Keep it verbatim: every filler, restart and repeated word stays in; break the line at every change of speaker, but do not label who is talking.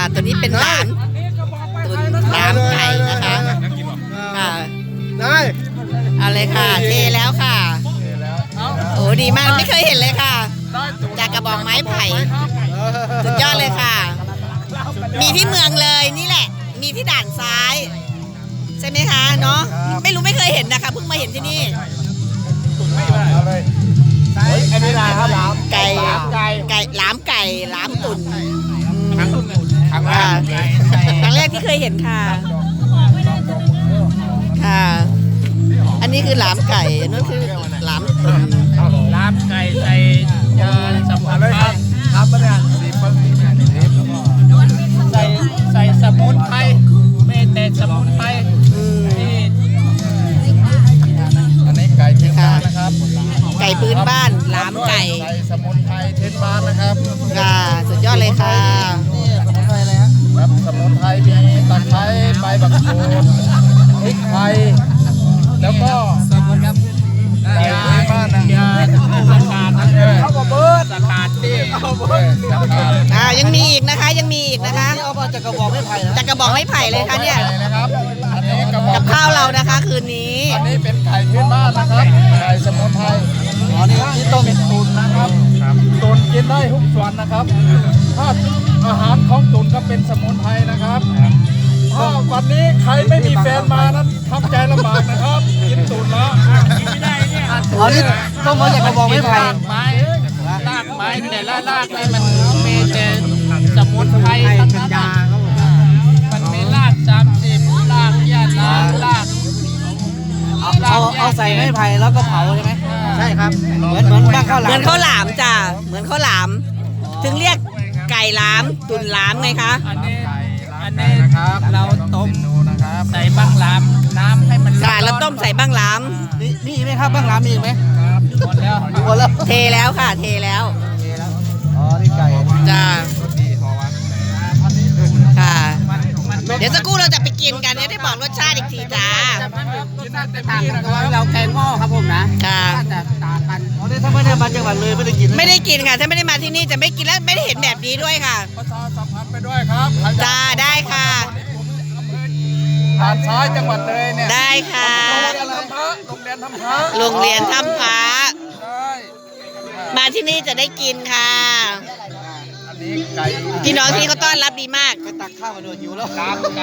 ตัวนี้เป็นหลามตุนหลามไก่นะคะค่ะ
ได้
เอาเลยค่ะเทแล้วค่ะโอ้ดีมากไม่เคยเห็นเลยค่ะจากกระบอกไม้ไผ่สุดยอดเลยค่ะมีที่เมืองเลยนี่แหละมีที่ด่านซ้ายใช่ไหมคะเนาะไม่รู้ไม่เคยเห็นนะคะเพิ่งมาเห็นที่นี่
อันนี้อะไรครับหลาม
ไก่
ไก่
ไก่หลามไก่หลามตุ่น
ครั้งแรก
ครั้งแรกที่เคยเห็นค่ะค่ะอันนี้คือหลามไก่นั่นคือหลามตุ่น
ลาบไก่ใส่ยาสมุนไพร
ครับมาเนี่ยสีเปิ้ล
ใส่ใส่สมุนไพรไม่แต่สมุนไพรที่
อันนี้ไก่เทนบ้านนะครับ
ไก่พื้นบ้านหลามไก่
ใส่สมุนไพรเทนบ้านนะครับ
ค่ะสุดยอดเลยค่ะ
นี่สมุนไพรอะไรครับสมุนไพรมีตะไคร้ใบบักกูดพริกไทยแล้วก็สมุนครับยาบ้านนะ
ยาสกัด
เข้ามาเบิร์ด
สกัดที่
อ่ายังมีอีกนะคะยังมีอีกนะคะ
เอามาจากกระบอกไม้ไผ่นะ
จากกระบอกไม้ไผ่เลยค่ะเนี่ย
นะครับอันนี้กระบอก
กับข้าวเรานะคะคืนนี้
อันนี้เป็นไก่พื้นบ้านนะครับไก่สมุนไพรอ๋อนี่ที่ต้มเป็นตุนนะครับตุนกินได้ทุกส่วนนะครับถ้าอาหารของตุนก็เป็นสมุนไพรนะครับถ้าวันนี้ใครไม่มีแฟนมานั้นทำใจลำบากนะครับกินตุนแล้ว
กินไม่ได้เนี่ย
อ๋อนี่ต้องมาจากกระบอกไม้ไผ่
รากไม้รากไม้แต่ละรากนี่มันมีแต่สมุนไพรทั้งนั้นมันมีรากสามสิบรากยาลาราก
เอาเอาใส่ไม้ไผ่แล้วก็เผาใช่ไหมใช่ครับเหมือนเหมือนบ้านข้าวหลาม
เหมือนข้าวหลามจ้ะเหมือนข้าวหลามถึงเรียกไก่หลามตุ่นหลามไงคะ
อันนี้อันนี้เราต้มใส่บ้างหลามน้ำให้มัน
ค่ะแล้วต้มใส่บ้างหลาม
นี่นี่ไหมครับบ้างหลามมีไหม
ครับหมดแล้ว
หมดแล้ว
เทแล้วค่ะเทแล้ว
อ๋อนี่ไก่
จ้าค่ะเดี๋ยวสักครู่เราจะไปกินกันเนี่ยได้บอกรสชาติอีกทีจ้า
ต่างกันเราแกงหม้อครับผมนะ
ค่ะ
แต่ต่างกันอ๋อนี่ถ้าไม่ได้มาจังหวัดเลยไม่ได้กิน
ไม่ได้กินค่ะถ้าไม่ได้มาที่นี่จะไม่กินและไม่ได้เห็นแบบนี้ด้วยค่ะ
ประชาสัมพันธ์ไปด้วยครับ
จ้าได้ค่ะ
ผ่านซ้ายจังหวัดเลยเนี่ย
ได้ค่ะ
โรงเรียนทำพระโรงเรียนทำพระ
โรงเรียนถ้ำพระมาที่นี่จะได้กินค่ะพี่น้องที่เขาต้อนรับดีมาก
ไปตักข้าวมาดูหิวแล้ว